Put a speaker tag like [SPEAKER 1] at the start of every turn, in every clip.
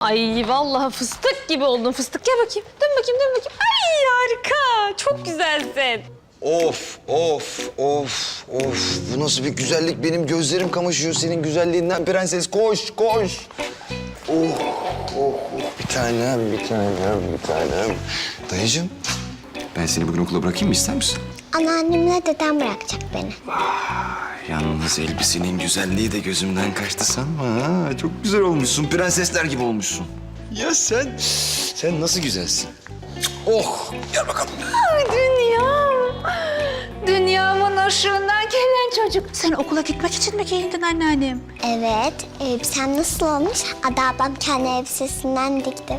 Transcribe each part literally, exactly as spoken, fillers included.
[SPEAKER 1] Ay vallahi fıstık gibi oldun fıstık. Gel bakayım. Dön bakayım, dön bakayım. Ay harika. Çok güzelsin.
[SPEAKER 2] Of, of, of, of. Bu nasıl bir güzellik? Benim gözlerim kamaşıyor senin güzelliğinden prenses. Koş, koş. Oh, oh, oh. Bir tanem, bir tanem, bir tanem. Dayıcığım, ben seni bugün okula bırakayım mı? İster misin?
[SPEAKER 3] Anneannemle dedem bırakacak beni.
[SPEAKER 2] Yalnız elbisenin güzelliği de gözümden kaçtı sanma ha. Çok güzel olmuşsun, prensesler gibi olmuşsun. Ya sen, sen nasıl güzelsin? Oh, gel bakalım.
[SPEAKER 4] Ay dünyam. Dünyamın ışığından gelen çocuk. Sen okula gitmek için mi giyindin anneannem?
[SPEAKER 3] Evet, elbisem nasıl olmuş? Ada ablam kendi elbisesinden dikti.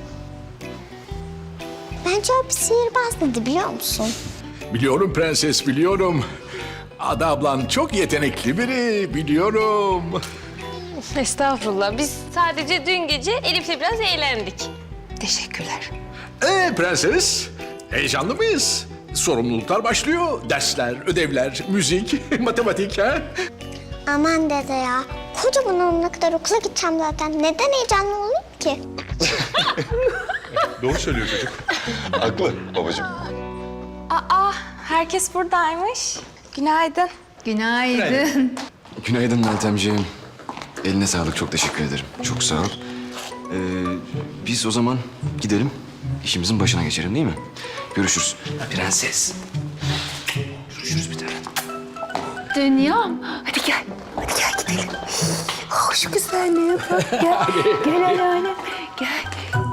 [SPEAKER 3] Bence o bir sihirbaz dedi, biliyor musun?
[SPEAKER 5] Biliyorum prenses, biliyorum. Ada ablan çok yetenekli biri, biliyorum.
[SPEAKER 1] Estağfurullah. Biz sadece dün gece Elif'le biraz eğlendik.
[SPEAKER 4] Teşekkürler.
[SPEAKER 5] Ee prenses, heyecanlı mıyız? Sorumluluklar başlıyor. Dersler, ödevler, müzik, matematik ha?
[SPEAKER 3] Aman dede ya, kocaman olana kadar okula gideceğim zaten. Neden heyecanlı olayım ki?
[SPEAKER 5] Doğru söylüyor çocuk.
[SPEAKER 2] Haklı babacığım.
[SPEAKER 1] Aa, herkes buradaymış. Günaydın.
[SPEAKER 4] Günaydın.
[SPEAKER 2] Günaydın Meltemciğim. Eline sağlık, çok teşekkür ederim. Çok sağ ol. Ee, biz o zaman gidelim, işimizin başına geçelim değil mi? Görüşürüz. Prenses. Görüşürüz bir tane.
[SPEAKER 4] Dünyam. Hadi gel. Hadi gel gidelim. Oh, şu güzelliğe bak. Gel. Gel anneannem. Gel.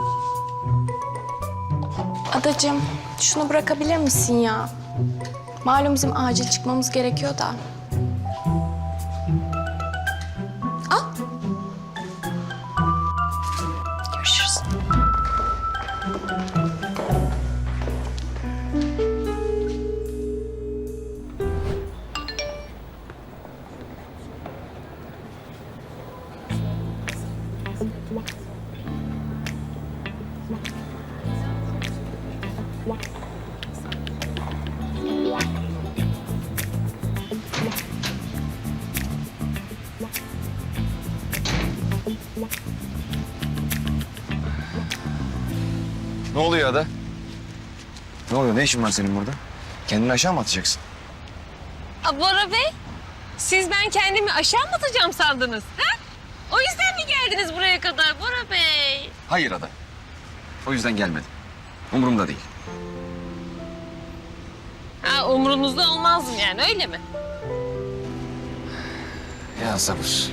[SPEAKER 6] Adacığım, şunu bırakabilir misin ya? Malum bizim acil çıkmamız gerekiyor da. Al. Görüşürüz.
[SPEAKER 2] Ne oluyor Ada? Ne oluyor? Ne işin var senin burada? Kendini aşağı mı atacaksın?
[SPEAKER 1] Aa, Bora Bey, siz ben kendimi aşağı mı atacağım sandınız? Ha? O yüzden mi geldiniz buraya kadar Bora Bey?
[SPEAKER 2] Hayır Ada. O yüzden gelmedim. Umurumda değil.
[SPEAKER 1] Ha, umurunuzda olmazdım yani, öyle mi?
[SPEAKER 2] Ya sabır.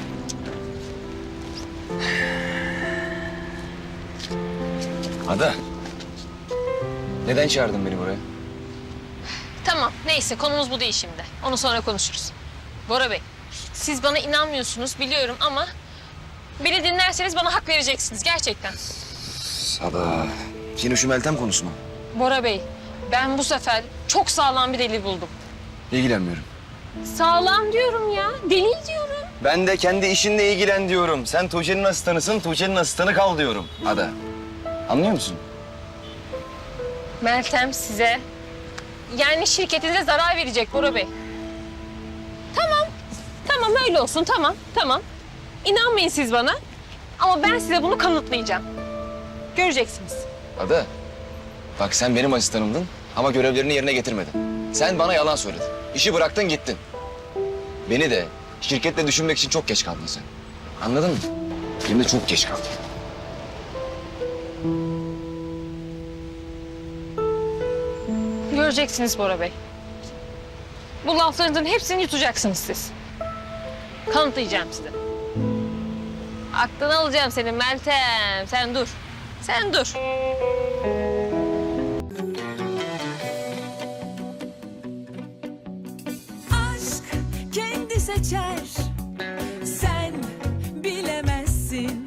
[SPEAKER 2] Ada. Neden çağırdın beni buraya?
[SPEAKER 1] Tamam, neyse konumuz bu değil şimdi. Onu sonra konuşuruz. Bora Bey, siz bana inanmıyorsunuz biliyorum ama... ...beni dinlerseniz bana hak vereceksiniz gerçekten.
[SPEAKER 2] Ada. Yine şu Meltem konusu mu?
[SPEAKER 1] Bora Bey, ben bu sefer çok sağlam bir delil buldum.
[SPEAKER 2] İlgilenmiyorum.
[SPEAKER 1] Sağlam diyorum ya, delil diyorum.
[SPEAKER 2] Ben de kendi işinle ilgilen diyorum. Sen Tuğçe'nin asistanısın, Tuğçe'nin asistanı kal diyorum. Ada. Anlıyor musun?
[SPEAKER 1] Meltem size, yani şirketinize zarar verecek Bora Bey. Tamam, tamam öyle olsun, tamam, tamam. İnanmayın siz bana ama ben size bunu kanıtlayacağım. Göreceksiniz.
[SPEAKER 2] Ada. Bak sen benim asistanımdın ama görevlerini yerine getirmedin. Sen bana yalan söyledin. İşi bıraktın gittin. Beni de şirketle düşünmek için çok geç kaldın sen. Anladın mı? Hem de çok geç kaldın.
[SPEAKER 1] Göreceksiniz Bora Bey. Bu laflarınızın hepsini yutacaksınız siz. Kanıtlayacağım size. Aklını alacağım senin Meltem. Sen dur. Sen dur.
[SPEAKER 7] Aşk kendi seçer